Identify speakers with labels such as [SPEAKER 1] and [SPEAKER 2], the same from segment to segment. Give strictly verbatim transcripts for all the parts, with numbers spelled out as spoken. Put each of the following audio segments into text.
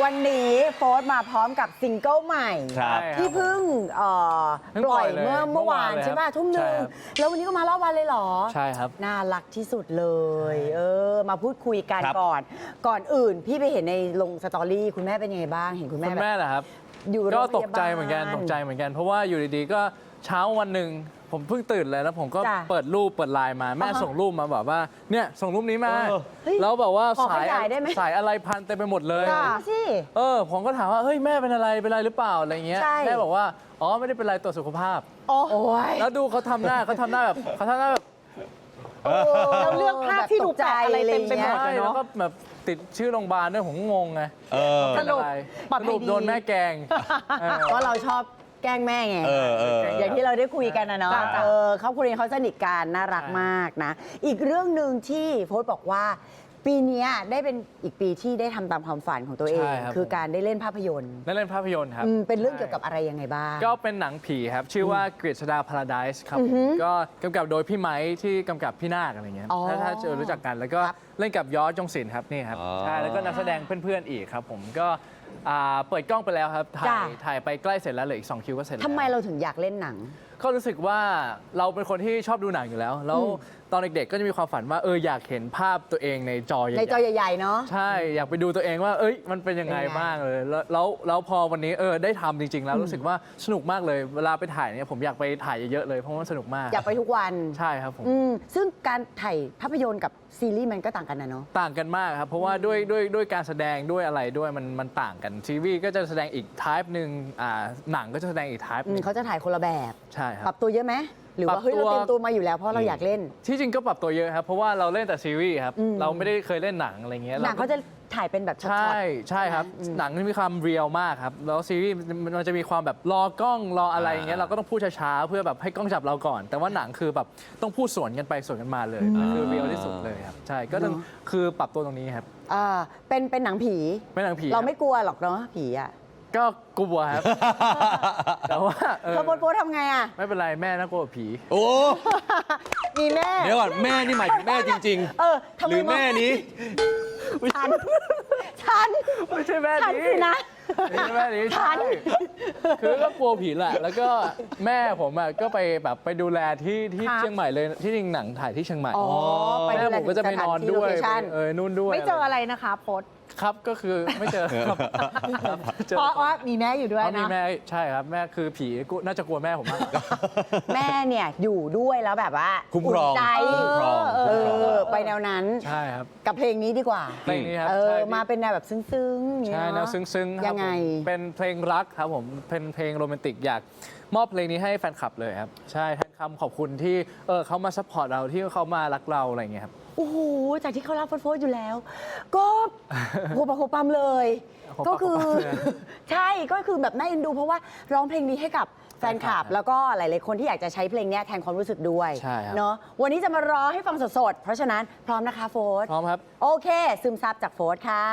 [SPEAKER 1] วันนี้โฟร์มาพร้อมกับซิงเกิลใหม่ที่เพิ่งปล่อยเมื่อเมื่อวานใช่ไหมทุ่มหนึ่งแล้ววันนี้ก็มารอบวันเลยเหรอ
[SPEAKER 2] ใช่ครับ
[SPEAKER 1] น่ารักที่สุดเลยเออมาพูดคุยกันก่อนก่อนอื่นพี่ไปเห็นในลงสตอรี่คุณแม่เป็นยังไงบ้างเห็นคุณแม่
[SPEAKER 2] คุณแม่เหรอครับ
[SPEAKER 1] อยู่
[SPEAKER 2] ก็ตกใจเหมือนกันตกใจเหมือนกันเพราะว่าอยู่ดีๆก็เช้าวันหนึ่งผมเพิ่งตื่นเลยแล้วผมก็เปิดรูปเปิดไลน์มาแม่ส่งรูปมาบอกว่าเนี่ยส่งรูปนี้มาแล้วแบบว่าสายสายอะไรพันเต็มไปหมดเลยเออผมก็ถามว่าเฮ้ยแม่เป็นอะไรเป็นอะไรหรือเปล่าอะไรเงี้ยแม่บอกว่าอ๋อไม่ได้เป็นไรตรวจสุขภาพแล้วดูเขาทำหน้าเขาทำหน้าแบบเขาทำหน้าแบบ
[SPEAKER 3] เราเลือกภาพที่ดูแปลกอะไรเต็มไปหมดเลยเนาะ
[SPEAKER 2] แล้วก็แบบติดชื่อโรงพยาบาลด้วยผมงงไง
[SPEAKER 1] สรุป
[SPEAKER 2] สรุปโดนแม่แกง
[SPEAKER 1] เพราะเราชอบแกล้งแม่ไงอย่างที่เราได้คุยกันนะเนาะเออเขาคุยเขาสนิทกันน่ารักมากนะอีกเรื่องหนึ่งที่โพสต์บอกว่าปีนี้ได้เป็นอีกปีที่ได้ทำตามความฝันของตัวเองคือการได้เล่นภาพยนตร์
[SPEAKER 2] ได้เล่นภาพยนตร์ครับ
[SPEAKER 1] เป็นเรื่องเกี่ยวกับอะไรยังไงบ้าง
[SPEAKER 2] ก็เป็นหนังผีครับชื่อว่ากฤษดาพาราไดซ์ครับก็กำกับโดยพี่ไม้ที่กำกับพี่นาคอะไรเงี้ยถ้าเจอรู้จักกันแล้วก็เล่นกับยอดจงศิลป์ครับนี่ครับใช่แล้วก็นักแสดงเพื่อนๆอีกครับผมก็เปิดกล้องไปแล้วครับถ่ายถ่ายไปใกล้เสร็จแล้วเหลืออีกสองคิวก็เสร็จแล้ว
[SPEAKER 1] ทำไมเราถึงอยากเล่นหนัง
[SPEAKER 2] ก็รู้สึกว่าเราเป็นคนที่ชอบดูหนังอยู่แล้วแล้วตอนเด็กๆก็จะมีความฝันว่าเอออยากเห็นภาพตัวเองในจอใหญ่
[SPEAKER 1] ในจอใหญ่ๆเนาะ
[SPEAKER 2] ใช่อยากไปดูตัวเองว่าเอ้ยมันเป็นยังไงบ้างเลยแล้วแล้วแล้วพอวันนี้เออได้ทำจริงๆแล้วรู้สึกว่าสนุกมากเลยเวลาไปถ่ายเนี่ยผมอยากไปถ่ายเยอะๆเลยเพราะว่าสนุกมาก
[SPEAKER 1] อยากไปทุกวัน
[SPEAKER 2] ใช่ครับผม
[SPEAKER 1] ซึ่งการถ่ายภาพยนตร์กับซีรีส์มันก็ต่างกันนะเนาะ
[SPEAKER 2] ต่างกันมากครับเพราะว่าด้วยด้วยด้วยการแสดงด้วยอะไรด้วยมันมันต่างกันทีวีก็จะแสดงอีกไทป์หนึ่งอ่าหนังก็จะแสดงอีกไทป์นึง
[SPEAKER 1] เขาจะถ่ายคนละแบบ
[SPEAKER 2] ใช่ครับ
[SPEAKER 1] ปรับตัวเยอะไหมหรือว่าเฮ้ยเราเตรียมตัวมาอยู่แล้วเพราะเราอยากเล่น
[SPEAKER 2] ที่จริงก็ปรับตัวเยอะครับเพราะว่าเราเล่นแต่ซีรีส์ครับเราไม่ได้เคยเล่นหนังอะไรเงี้ย
[SPEAKER 1] หนังเขาจะถ่ายเป็นแบบช็อต
[SPEAKER 2] ใช่ใช่ครับหนังมีความเรียลมากครับแล้วซีรีส์มันจะมีความแบบรอกล้องรออะไรอย่างเงี้ยเราก็ต้องพูดช้าๆเพื่อแบบให้กล้องจับเราก่อนแต่ว่าหนังคือแบบต้องพูดสวนกันไปสวนกันมาเลยคือเรียลที่สุดเลยครับใช่ก็ต้องคือปรับตัวตรงนี้ครับ
[SPEAKER 1] อ่าเป็นเป็นหนังผี
[SPEAKER 2] เป็นหนังผี
[SPEAKER 1] เราไม่กลัวหรอกเนาะผีอ่ะ
[SPEAKER 2] ก็กลัวครับแต่ว่า
[SPEAKER 1] เธอโป๊ะทำไงอ่ะ
[SPEAKER 2] ไม่เป็นไรแม่น่ากลัวผี
[SPEAKER 4] โอ้
[SPEAKER 1] มีแม่
[SPEAKER 4] เดี๋ยวก่อนแม่นี่หมายถึงแม่จริงๆ
[SPEAKER 1] เออ
[SPEAKER 4] หรือแม่นี้
[SPEAKER 1] ฉันฉัน
[SPEAKER 2] ไม่ใช่แม่นี้
[SPEAKER 1] นะ
[SPEAKER 2] ไม่ใช่แม่นี้ฉันคือก็กลัวผีแหละแล้วก็แม่ผมอ่ะก็ไปแบบไปดูแลที่ที่เชียงใหม่เลยที่จริงหนังถ่ายที่เชียงใหม่แม่ผมก็จะไปนอนด้วยเออนู่นด้วย
[SPEAKER 3] ไม่เจออะไรนะคะโพส
[SPEAKER 2] ครับก็คือไม่เจอครับ
[SPEAKER 3] เพราะว่ามีแม่อยู่ด้วยนะ
[SPEAKER 2] มีแม่ใช่ครับแม่คือผีน่าจะกลัวแม่ผมมาก
[SPEAKER 1] แม่เนี่ยอยู่ด้วยแล้วแบบว่า
[SPEAKER 4] คุ้มครอง
[SPEAKER 1] ใจเออไปแนวนั้น
[SPEAKER 2] ใช่ครับ
[SPEAKER 1] กับเพลงนี้ดีกว่า
[SPEAKER 2] เพลงนี้ครับ
[SPEAKER 1] เออมาเป็นแนวแบบซึ้งๆ
[SPEAKER 2] ใช่แนวซึ้งๆ
[SPEAKER 1] ยังไง
[SPEAKER 2] เป็นเพลงรักครับผมเป็นเพลงโรแมนติกอยากมอบเพลงนี้ให้แฟนคลับเลยครับใช่แทนคำขอบคุณที่เออเขามาซัพพอร์ตเราที่เขามารักเราอะไรอย่างเงี้ยครับ
[SPEAKER 1] โอ้โหจากที่เขารักโฟร์อยู่แล้วก็โหปะโหปั๊มเลยก็คือใช่ก็คือแบบน่าเอ็นดูเพราะว่าร้องเพลงนี้ให้กับแฟนคลับแล้วก็หลายๆคนที่อยากจะใช้เพลงนี้แทนความรู้สึกด้วยเนาะวันนี้จะมาร้องให้ฟังสดๆเพราะฉะนั้นพร้อมนะคะโฟร์
[SPEAKER 2] พร้อมครับ
[SPEAKER 1] โอเคซึมซับจากโฟร์ค่ะ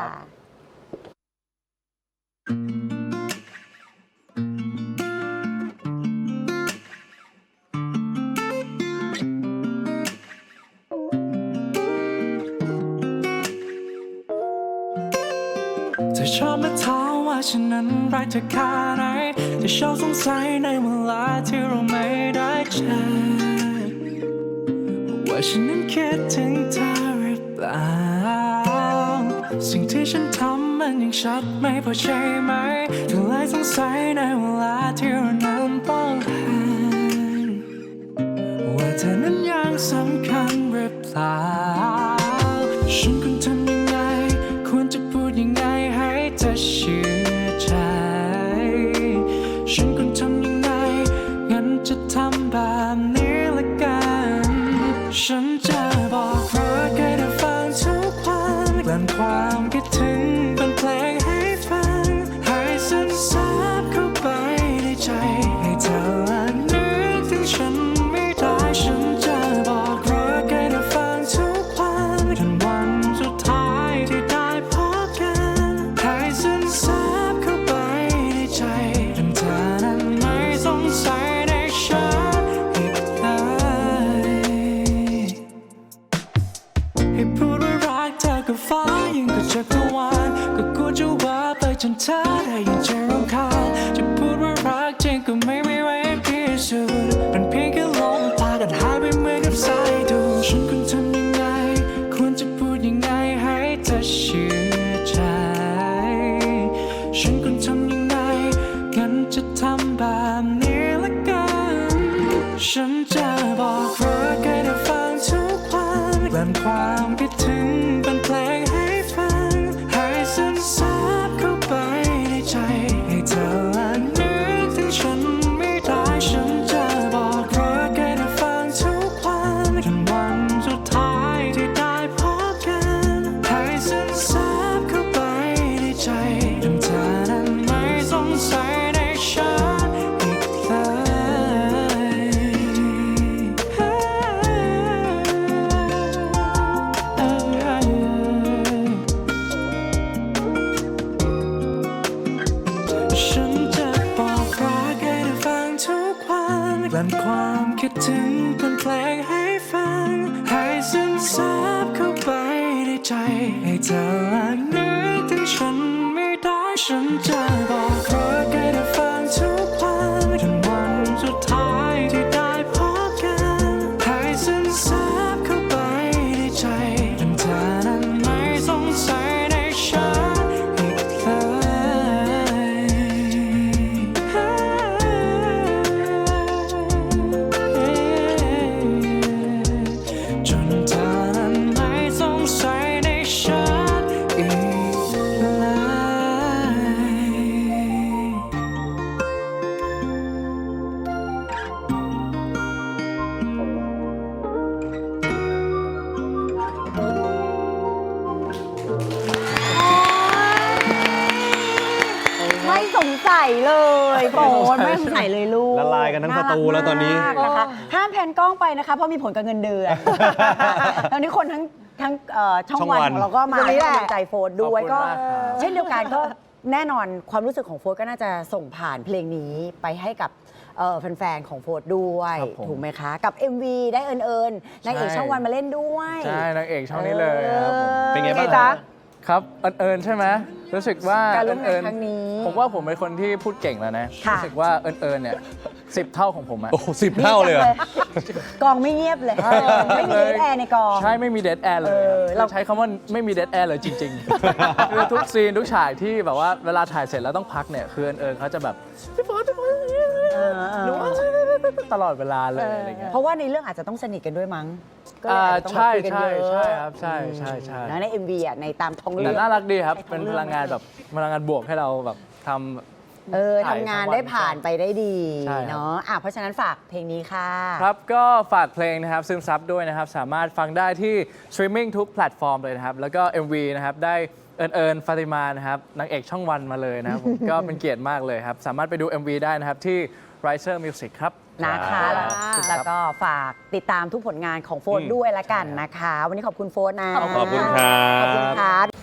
[SPEAKER 5] เธอชอบมาถามว่าฉันนั้นรักเธอแค่ไหนเธอชอบสงสัยในเวลาที่เราไม่ได้เจอว่าฉันนั้นคิดถึงเธอหรือเปล่าสิ่งที่ฉันทำมันยังชัดไม่พอใช่ไหมเธอเลยสงสัยในเวลาที่เรานั้นต้องห่างว่าเธอนั้นยังสำคัญหรือเปล่าฉันควรทำยังไงควรจะพูดยังไงให้เธอเชื่อใจฉันควรทำยังไงงั้นจะทำแบบนี้ละกันฉันจะบอกรักให้เธอฟังทุกวันกลั่นความคิดถึงเป็นเพลงให้ฟังให้ซึมซับเข้าไปในใจให้เธอละนึกถึงฉันไม่ได้ฉันจะบอกรักให้เธอฟังทุกวันจนวันสุดท้ายที่ได้พบกันให้ซึมซับเข้าไปในใจจนเธอนั้นไม่สงสัยในฉันอีกเลยให้พูดว่ารักเธอกับฟ้ายิ่งกว่าจักรวาลลั่นความคิดถึงเป็นเพลงให้ฟังให้ซึมซับเข้าไปในใจให้เธอละนึกถึงฉันไม่ได้ฉันจะบอกรักให้เธอฟังทุกวันจนวันสุดท้ายที่ได้พบกันให้ซึมซับเข้าไปในใจจนเธอนั้นไม่สงสัยในฉันอีกเลยฉันจะบอกรักให้เธอฟังทุกวันกลั่นความคิดถึงเป็นเพลงให้ฟังให้ซึมซับเข้าไปในใจให้เธอละนึกถึงฉันไม่ได้ฉันจะบอกรักให้เธอฟังทุกวันจนวันสุดท้ายที่ได้พบกันให้ซึมซับเข้าไปในใจจนเธอนั้นไม่สงสัยในฉันอีกเลยจนเธอนั้นไม่สงสัยในฉันอีกเลย
[SPEAKER 1] ไม่สงสัยเลยโปรดไม่สงสัยเลยลูก
[SPEAKER 4] ละลายกันทั้งสตูแล้วตอนนี้
[SPEAKER 1] ารักมากนะคะห้ามแพนกล้องไปนะคะเพราะมีผลกับเงินเดือน ตอนนี้คนทั้งทั้งเอ่อช่อง
[SPEAKER 4] ช่อง
[SPEAKER 1] วัน
[SPEAKER 4] วัน
[SPEAKER 1] ของเราก็มา
[SPEAKER 3] วันนี้
[SPEAKER 1] ให้
[SPEAKER 3] แหละ
[SPEAKER 1] กำลังใจโฟร์ด้วย
[SPEAKER 2] ขอบคุณ
[SPEAKER 1] ก็
[SPEAKER 2] มากครับ
[SPEAKER 1] เช่นเดียวกันก็แน่นอนความรู้สึกของโฟร์ก็น่าจะส่งผ่านเพลงนี้ไปให้กับเอ่อแฟนๆของโฟร์ด้วย
[SPEAKER 2] ครับผม
[SPEAKER 1] ถูกไหมคะ กับ เอ็ม วี ได้เอิญเอิญนางเอก
[SPEAKER 2] ใช่
[SPEAKER 1] ช่องวันมาเล่นด้วย
[SPEAKER 2] ใช่นางเอกช่องนี้เลยครับผม
[SPEAKER 4] เป็นไงบ้าง
[SPEAKER 3] จ๊ะ
[SPEAKER 2] ครับเอิญเอิญใช่ไหมรู้สึกว่า
[SPEAKER 1] การร่วมงาน
[SPEAKER 2] เอิญ
[SPEAKER 1] ครั้งนี้
[SPEAKER 2] ผมว่าผมเป็นคนที่พูดเก่งแล้วนะ
[SPEAKER 1] ค่ะ
[SPEAKER 2] รู้สึกว่าเอิญเอิญเนี่ยสิบเท่าของผมอะ
[SPEAKER 4] โอ้สิบเท่าเลยเหรอ
[SPEAKER 1] กองไม่เงียบเลย ไม่มีเดทแอร์ในกอง
[SPEAKER 2] ใช่ไม่มีเด a แอร์เลย
[SPEAKER 1] เออ
[SPEAKER 2] ครับ
[SPEAKER 1] เรา
[SPEAKER 2] เราใช้คำว่าไม่มีเด a แอร์เลยจริงๆ คือทุกซีนทุกฉากที่แบบว่าเวลาถ่ายเสร็จแล้วต้องพักเนี่ยคือเอิญเอิญเขาจะแบบพี่ฟอสพี่ฟอสหนูตลอดเวลาเลยอะไรเงี้ย
[SPEAKER 1] เพราะว่าในเรื่องอาจจะต้องสนิทกันด้วยมั้งก็เลย
[SPEAKER 2] อ่า
[SPEAKER 1] อาจจะต้อง
[SPEAKER 2] ใช่
[SPEAKER 1] คุยกัน
[SPEAKER 2] ใช่
[SPEAKER 1] เยอะ
[SPEAKER 2] ใช่ครับใช่ใช่ใช่
[SPEAKER 1] แล้วใน เอ็ม วี อ่ะในตามท้อง
[SPEAKER 2] แต่
[SPEAKER 1] เรื่อง
[SPEAKER 2] น่ารักดีครับ
[SPEAKER 1] ใช้ท้อง
[SPEAKER 2] เป็น
[SPEAKER 1] เรื่
[SPEAKER 2] พ
[SPEAKER 1] อง
[SPEAKER 2] ลังงานแบบพลังงานบวกให้เราแบบทำ
[SPEAKER 1] เออ
[SPEAKER 2] ถ่าย
[SPEAKER 1] ทำงาน
[SPEAKER 2] ทั้งวัน
[SPEAKER 1] ได้ผ่านไปได้ดี
[SPEAKER 2] ใช่ครับ
[SPEAKER 1] เนาะอ่ะเพราะฉะนั้นฝากเพลงนี้ค่ะ
[SPEAKER 2] ครับ ก็ฝากเพลงนะครับซึมซับด้วยนะครับ สามารถฟังได้ที่สตรีมมิ่งทุกแพลตฟอร์มเลยนะครับ แล้วก็ เอ็ม วี นะครับ ได้เอิญเอิญฟาติมานะครับนางเอกช่องวันมาเลยนะครับผม ก็เป็นเกียรติมากเลยครับ สามารถไปดู เอ็ม วี ได้นะครับ ที่ Riser Music ครับ
[SPEAKER 1] นะคะ แล้ว
[SPEAKER 2] ครับ
[SPEAKER 1] แล้วก็ฝากติดตามทุกผลงานของโฟร์
[SPEAKER 4] อืม
[SPEAKER 1] ด้วยละกันนะคะ วันนี้ขอบคุณโฟร์นะ
[SPEAKER 4] ขอบคุณครับ
[SPEAKER 1] ขอบคุณครับ